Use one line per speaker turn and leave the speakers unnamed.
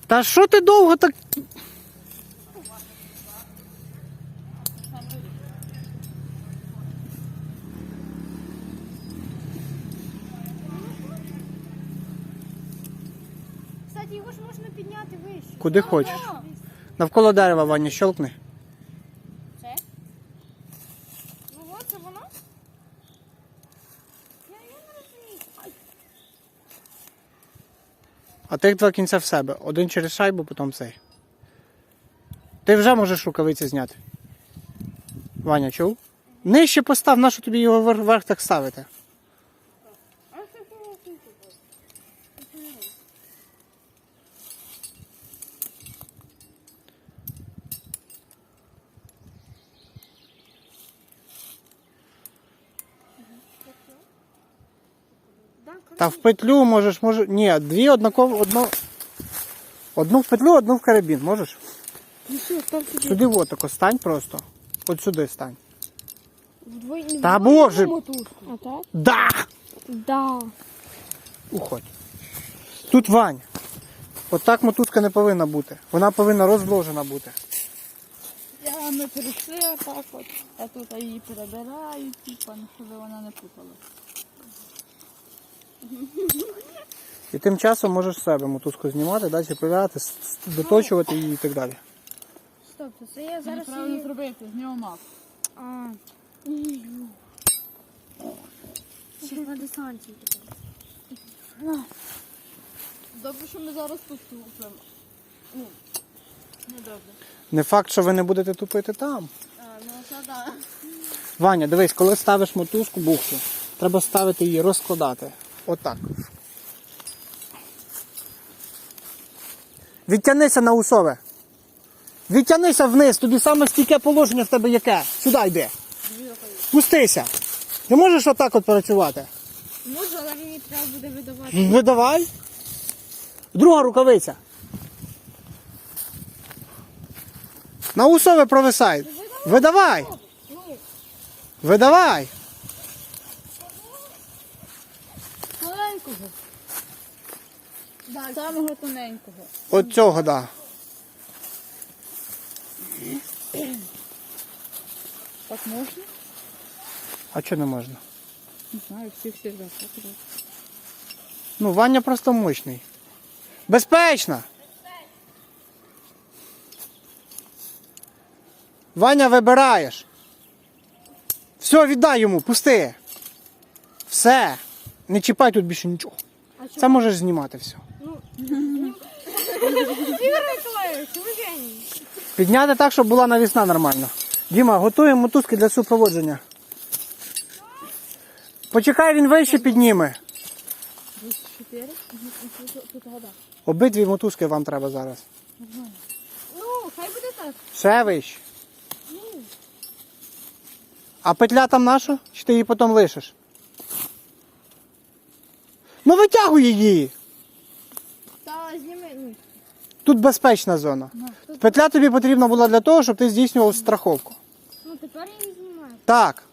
Та що ти довго так...
Кстати, його ж можна підняти вище.
Куди хочеш. Навколо дерева, Ваня, щелкни.
Це? Ну от, це воно? Я не розумію. Ай.
А тих два кінця в себе. Один через шайбу, потім цей. Ти вже можеш рукавиці зняти. Ваня, чув? Нижче постав, нащо тобі його вверх так ставити?
А що ти робиш?
Та в петлю можеш, Ні, дві однаково, одну в петлю, одну в карабін, можеш?
Ну що, став сюди.
Сюди вот тако стань просто. От сюди стань.
Вдвоє.
Та боже!
А так?
Да!
Да.
Уходь. Тут, Вань, отак мотузка не повинна бути. Вона повинна розложена бути.
Ми перейшли отак от, а тут її перебирають, типа, щоб вона не путала.
І тим часом можеш себе мотузку знімати, далі перевіряти, доточувати її і так далі.
Стоп, це я зараз
Правильно
її...
зробити, з нього мав.
А. Ще на десанті.
Добре, що ми зараз тут тупимо. Ну, не добре.
Не факт, що ви не будете тупити там.
Ну, це да.
Ваня, дивись, коли ставиш мотузку, бухту, треба ставити її, розкладати. Отак. Відтянися на усове. Відтянися вниз, тобі саме стійке положення в тебе яке. Сюди йди. Спустися. Ти можеш отак от працювати?
Можу, але мені треба буде видавати.
Видавай. Друга рукавиця. На усове провисай. Видавай. Видавай.
Тоненького. Да, самого тоненького.
От цього, да.
Так можна?
А чого не можна?
Не знаю, всіх завжди так роблять.
Ну, Ваня просто мощний. Безпечно! Ваня, вибираєш. Все, віддай йому, пусти. Все. Не чіпай тут більше нічого. Це можеш знімати все.
Ігор Миколаївич, ви геній.
Підняти так, щоб була навісна нормально. Діма, готуємо мотузки для супроводження. Почекай, він вище підніме.
4? Тут вода.
Обидві мотузки вам треба зараз.
Ну, хай буде так.
Ще вище. А петля там наша? Чи ти її потім лишиш? Ну витягуй її.
Та зніми. Ну,
Тут безпечна зона. Петля тобі потрібна була для того, щоб ти здійснював страховку.
ну тепер я її знімаю.
Так.